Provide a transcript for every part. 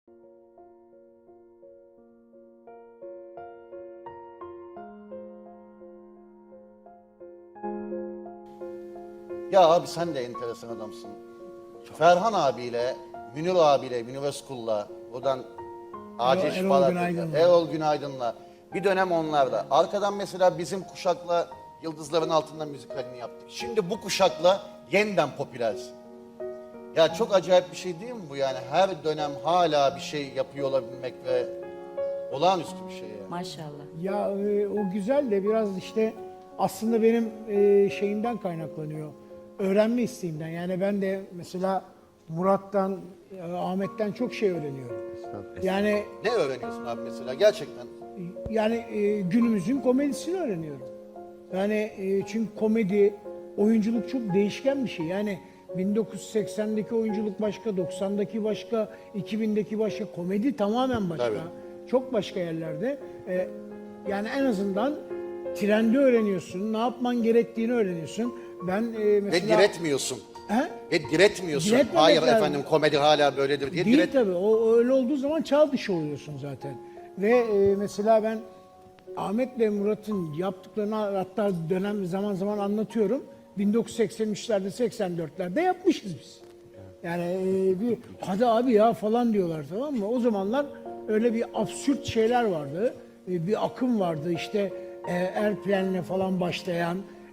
Ya abi sen de enteresan adamsın. Ferhan abiyle, Münir abiyle, Münir Özkul'la, buradan Acil Şifalar, Erol Günaydın'la, bir dönem onlarla. Arkadan mesela bizim kuşakla Yıldızların Altında müzikalini yaptık. Şimdi bu kuşakla yeniden popülersin. Ya çok acayip bir şey değil mi bu yani? Her dönem hala bir şey yapıyor olabilmek ve olağanüstü bir şey yani. Maşallah. Ya o güzel de biraz işte aslında benim şeyimden kaynaklanıyor. Öğrenme isteğimden. Yani ben de mesela Murat'tan, Ahmet'ten çok şey öğreniyorum. Yani Ne öğreniyorsun abi mesela gerçekten? Günümüzün komedisini öğreniyorum. Yani çünkü komedi, oyunculuk çok değişken bir şey. Yani 1980'deki oyunculuk başka, 90'daki başka, 2000'deki başka, komedi tamamen başka. Tabii. Çok başka yerlerde. Yani en azından trendi öğreniyorsun, ne yapman gerektiğini öğreniyorsun. Ben Ve mesela... diretmiyorsun. He? Ve diretmiyorsun. Diretmemek Hayır lazım. efendim komedi hala böyledir diye Değil tabii. O öyle olduğu zaman çağ dışı oluyorsun zaten. Ve mesela ben Ahmet'le Murat'ın yaptıklarını hatta zaman zaman anlatıyorum. 1983'lerde 84'lerde yapmışız biz. Yani bir hadi abi ya falan diyorlar, tamam mı? O zamanlar öyle bir absürt şeyler vardı. Bir akım vardı işte Airplane'le falan başlayan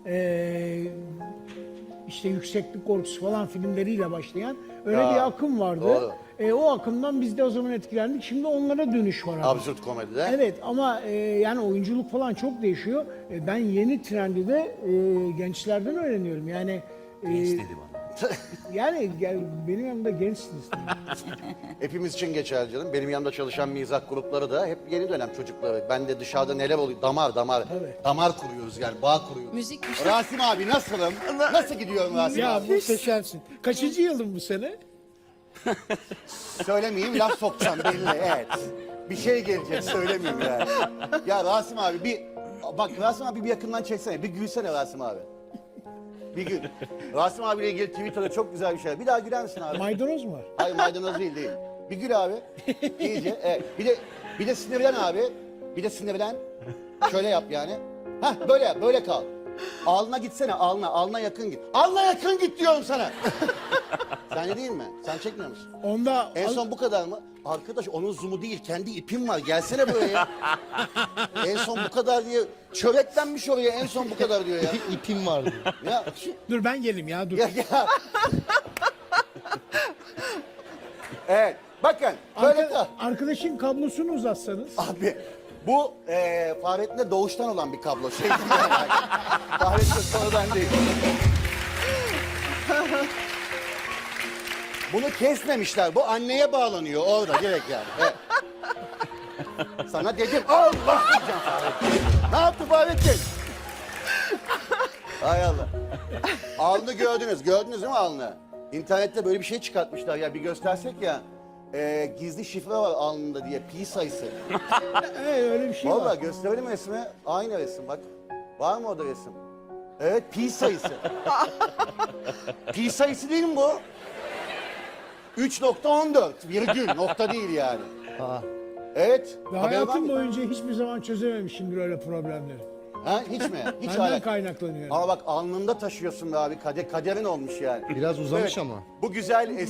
işte yükseklik korkusu falan filmleriyle başlayan öyle Ya, bir akım vardı. doğru. O akımdan biz de o zaman etkilendik. Şimdi onlara dönüş var abi. absürt komedide. Evet ama yani oyunculuk falan çok değişiyor. Ben yeni trendi de gençlerden öğreniyorum. Yani Genç dedi bana. yani benim yanımda gençsiniz. Hepimiz için geçerli canım. Benim yanımda çalışan mizah grupları da hep yeni dönem çocukları. Ben de dışarıda neler oluyor? Damar. Evet. Damar kuruyoruz yani, bağ kuruyoruz. Müzik. Rasim abi nasılım? Nasıl gidiyorum Rasim Ya abi? muhteşemsin. Kaçıncı yılın bu sene? Söylemeyeyim, laf sokacağım belli, evet. Bir şey gelecek, söylemeyeyim yani. Ya Rasim abi bak Rasim abi bir yakından çeksene, bir gülsene Rasim abi. Bir gül. Rasim abiyle ilgili Twitter'da çok güzel bir şey. Bir daha güler misin abi? Maydanoz mu var? Hayır maydanoz değil. Bir gül abi. İyice. Evet. Bir de sinirlen abi. Bir de sinirlen. Şöyle yap yani. Hah böyle yap, böyle kal. Alnına gitsene, alnına yakın git. Alnına yakın git diyorum sana. Sen de değil mi? Sen çekmiyor musun? Onda En son bu kadar mı? Arkadaş onun zoom'u değil, kendi ipim var. Gelsene buraya. En son bu kadar diye çöreklenmiş oraya. En son bu kadar diyor ya. İpim vardı. Ya, dur ben geleyim ya dur. ya. Evet. Bakın böyle kal. Arkadaşın kablosunu uzatsanız. Abi bu Fahrettin'de doğuştan olan bir kablo. Şey değil yani. Fahrettin sonradan değil. Bunu kesmemişler. Bu anneye bağlanıyor orada direkt yani. Evet. Sana dedim Allah diyeceğim Fahrettin. Ne yaptı Fahrettin? Hay Allah. Alnı gördünüz. Gördünüz değil mi alnı? İnternette böyle bir şey çıkartmışlar ya, bir göstersek ya. Gizli şifre var alnında diye, pi sayısı. Öyle bir şey var. Vallahi gösterelim resmi. Aynı resim bak. Var mı orada resim? Evet, pi sayısı. Pi sayısı değil mi bu? 3.14 virgül, nokta değil yani. Evet. Ve haber var hayatım mı? boyunca hiçbir zaman çözememişimdir öyle problemleri. Ha, hiç mi? Hiç Benden hala. kaynaklanıyor. Ama bak alnında taşıyorsun be abi. Kaderin olmuş yani. Biraz uzamış Evet, ama. Bu güzel